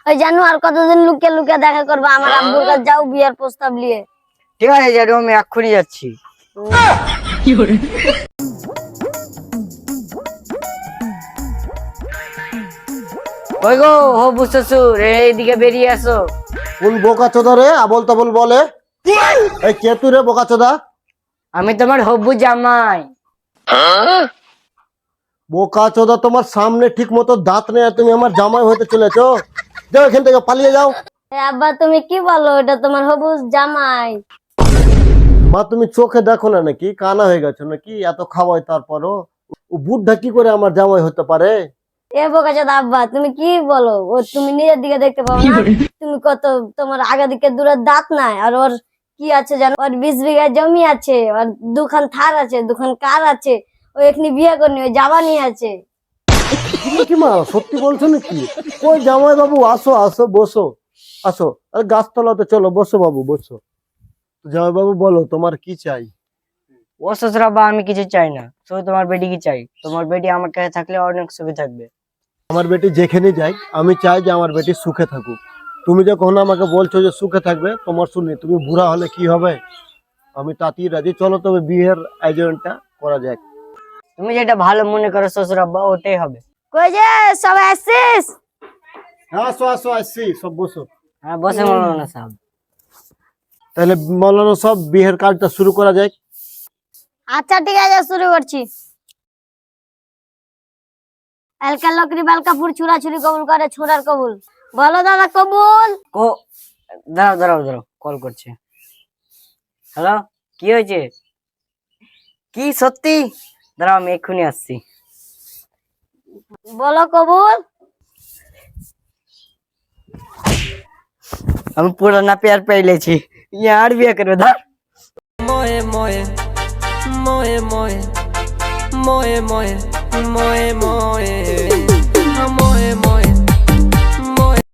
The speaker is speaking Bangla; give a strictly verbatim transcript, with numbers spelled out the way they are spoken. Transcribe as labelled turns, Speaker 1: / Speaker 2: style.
Speaker 1: ওই জানো আর কতদিন লুকিয়ে লুকিয়ে দেখা করবে? আমার আব্বুর কাছে যাও বিয়ের প্রস্তাব নিয়ে।
Speaker 2: ঠিক আছে জানো, আমি এক্ষুনি যাচ্ছি। ওই গো হবু শ্বশুর, এইদিকে বেরিয়ে আসো।
Speaker 3: কোন বোকা চোদা রে আবল তাবল বলে? এই কে তুই রে বোকা চোদা?
Speaker 2: আমি তোমার হবু জামাই।
Speaker 3: বোকা চোদা, তোমার সামনে ঠিক মতো দাঁত নেই আর তুমি আমার জামাই হতে চলেছো? যাও এখান থেকে, পালিয়ে যাও।
Speaker 1: এ আব্বা তুমি কি বলো? এটা তোমার হবু জামাই।
Speaker 3: মা তুমি চোখে দেখো না নাকি? কানা হয়ে গেছো নাকি? এত খাওয়াই তারপরও ও বুদ্ধা কি করে আমার জামাই হতে পারে?
Speaker 1: এ বোকা চাঁদ আব্বা তুমি কি বলো? ও তুমি নিজের দিকে দেখতে পাও না? তুমি কত, তোমার আগা দিকে দূরের দাঁত নাই, আর ওর কি আছে জানো? ওর বিশ বিঘা জমি আছে, ওর দুখান থার আছে, দুখান কার আছে। ও এখনি বিয়ে করনি, ওই জাবানি আছে।
Speaker 3: তুমি কি মা সত্যি বলছো নাকি? ওই জামাই বাবু আসো আসো, বসো আসো। আরে গাছতলাতে চলো, বসো বাবু বসো। জামাই বাবু বলো তোমার কি চাই?
Speaker 2: ও শ্বশুরাব্বা, আমি কিছু চাই না, শুধু তোমার বেটি কি চাই। তোমার বেটি আমার কাছে থাকলে অনেক সুখে থাকবে।
Speaker 3: আমার বেটি যেখানে যাই আমি চাই যে আমার বেটি সুখে থাকুক। তুমি যখন আমাকে বলছো যে সুখে থাকবে, তোমার শুনি তুমি বুড়া হলে কি হবে? আমি তাতেই রাজি। চলো তবে বিয়ের আয়োজনটা করা যাক।
Speaker 2: তুমি যেটা ভালো মনে করো শ্বশুরাব্বা, ওটাই হবে।
Speaker 1: কই যে সবাই আসছিস?
Speaker 3: হ্যাঁ আসো আসো, আসছি সব বসো।
Speaker 2: হ্যাঁ বসে মৌলানা সাহেব।
Speaker 3: তাহলে মৌলানা সব বিয়ের কাজটা শুরু করা যাক।
Speaker 1: আচ্ছা ঠিক আছে, শুরু করছি। এলকা লকরি বালকাপুর ছুরা ছুরি কবুল করে ছোড়ার কবুল। বলো দাদা কবুল।
Speaker 2: ও দাঁড়াও দাঁড়াও দাঁড়াও, কল করছে। হ্যালো, কি হয়েছে? কি সত্যি? দাঁড়াও আমি এক্ষুনি আসছি।
Speaker 1: বলো কবুল।
Speaker 2: আমি পুরানা পেয়ার পেয়েছি, ইয়ার বিয়ে করবে ধর।
Speaker 4: moe moe moe moe moe moe moe moe